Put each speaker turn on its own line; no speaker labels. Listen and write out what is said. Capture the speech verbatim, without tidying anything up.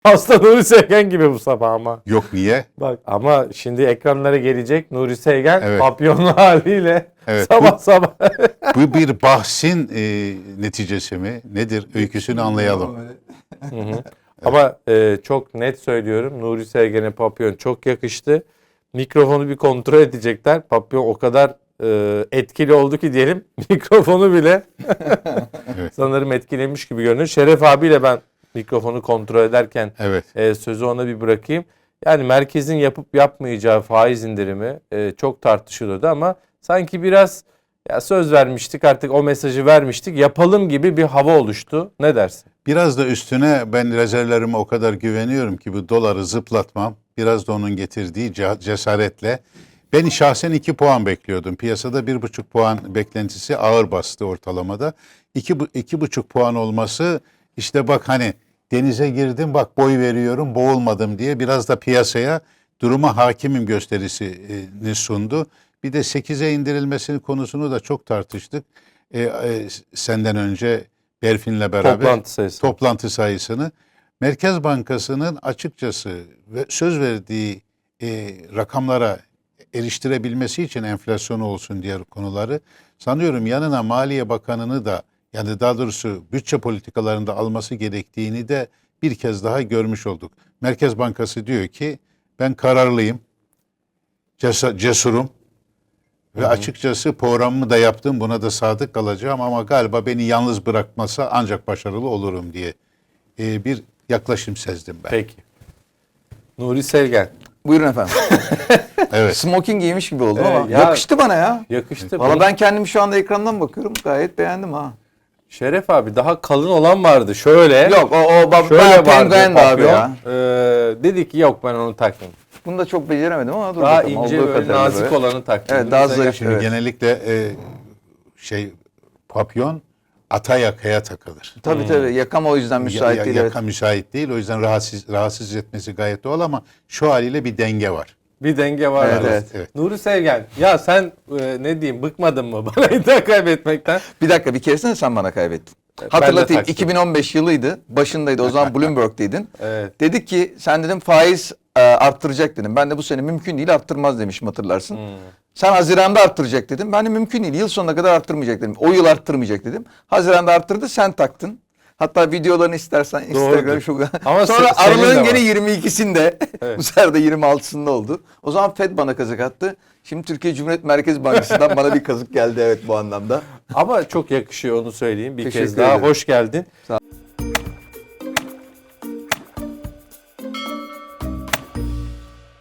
Hasta Nuri Sevgen gibi bu sabah ama.
Yok niye?
Bak ama şimdi ekranlara gelecek Nuri Sevgen
Evet.
papyonlu haliyle
Evet,
sabah
bu-
sabah.
Bu bir bahsin e, neticesi mi? Nedir? Öyküsünü anlayalım.
Hı hı. Ama e, çok net söylüyorum, Nuri Sevgen'e papyon çok yakıştı. Mikrofonu bir kontrol edecekler. Papyon o kadar e, etkili oldu ki diyelim, mikrofonu bile
Evet.
sanırım etkilemiş gibi görünüyor. Şeref abiyle ben mikrofonu kontrol ederken
Evet.
e, sözü ona bir bırakayım. Yani merkezin yapıp yapmayacağı faiz indirimi e, çok tartışılıyordu ama sanki biraz ya söz vermiştik, artık o mesajı vermiştik, yapalım gibi bir hava oluştu. Ne dersin?
Biraz da üstüne ben rezervlerime o kadar güveniyorum ki bu doları zıplatmam. Biraz da onun getirdiği ce- cesaretle. Ben şahsen iki puan bekliyordum. Piyasada bir buçuk puan beklentisi ağır bastı ortalamada. İki, bu- iki buçuk puan olması işte bak hani denize girdim bak boy veriyorum boğulmadım diye biraz da piyasaya duruma hakimim gösterisini sundu. Bir de sekize indirilmesinin konusunu da çok tartıştık. E, e, senden önce Berfin'le beraber
Toplantı sayısı.
toplantı sayısını. Merkez Bankası'nın açıkçası ve söz verdiği e, rakamlara eriştirebilmesi için enflasyonu olsun diğer konuları sanıyorum yanına Maliye Bakanı'nı da yani daha doğrusu bütçe politikalarında alması gerektiğini de bir kez daha görmüş olduk. Merkez Bankası diyor ki ben kararlıyım, cesa- cesurum ve açıkçası programımı da yaptım buna da sadık kalacağım ama galiba beni yalnız bırakmasa ancak başarılı olurum diye e, bir yaklaşım sezdim ben.
Peki. Nuri Sevgen.
Buyurun efendim.
Evet.
Smoking giymiş gibi oldum
Evet,
ama
ya-
yakıştı bana ya.
Yakıştı.
Valla
Bunu-
ben kendimi şu anda ekrandan bakıyorum. Gayet beğendim ha.
Şeref abi daha kalın olan vardı. Şöyle.
Yok o, o ba-
Şöyle
bayağı
vardı
penguen de abi
papyon.
ya.
Ee, dedi ki yok ben onu takmayayım.
Bunu da çok beceremedim ama dur
Daha
bakalım.
ince
Olduğu
böyle
kadarıyla
nazik
böyle.
olanı taktım.
Evet,
Nuri
daha
Sevgen-
zarif.
Şimdi
Evet.
genellikle e, şey papyon ata yakaya takılır.
Tabii tabii. Yakam o yüzden müsait
Ya- ya-
değil.
yaka
Evet.
müsait değil. O yüzden rahatsız rahatsız etmesi gayet doğal ama şu haliyle bir denge var.
Bir denge var.
Evet,
arada.
evet.
Evet.
Nuri Sevgen, ya sen e, ne diyeyim, bıkmadın mı bana iddia kaybetmekten?
Bir dakika bir keresinde sen bana kaybettin.
ben de
Hatırlatayım
taktım.
iki bin on beş yılıydı. Başındaydı. O zaman Bloomberg'deydin.
Evet.
Dedik ki sen dedim faiz e, arttıracak dedim. Ben de bu sene mümkün değil arttırmaz demişim hatırlarsın.
Hmm.
Sen Haziran'da arttıracak dedim. Ben de mümkün değil. Yıl sonuna kadar arttırmayacak dedim. O yıl arttırmayacak dedim. Haziran'da arttırdı sen taktın. Hatta videolarını istersen Instagram şu.
Ama
Sonra
se- senin de
aralığın
var.
gene yirmi ikisinde.
Evet.
Bu sefer de yirmi altısında oldu. O zaman Fed bana kazık attı. Şimdi Türkiye Cumhuriyet Merkez Bankası'ndan bana bir kazık geldi evet bu anlamda.
Ama çok yakışıyor, onu söyleyeyim. Bir
Teşekkür
kez daha
ederim.
hoş geldin.
Sağ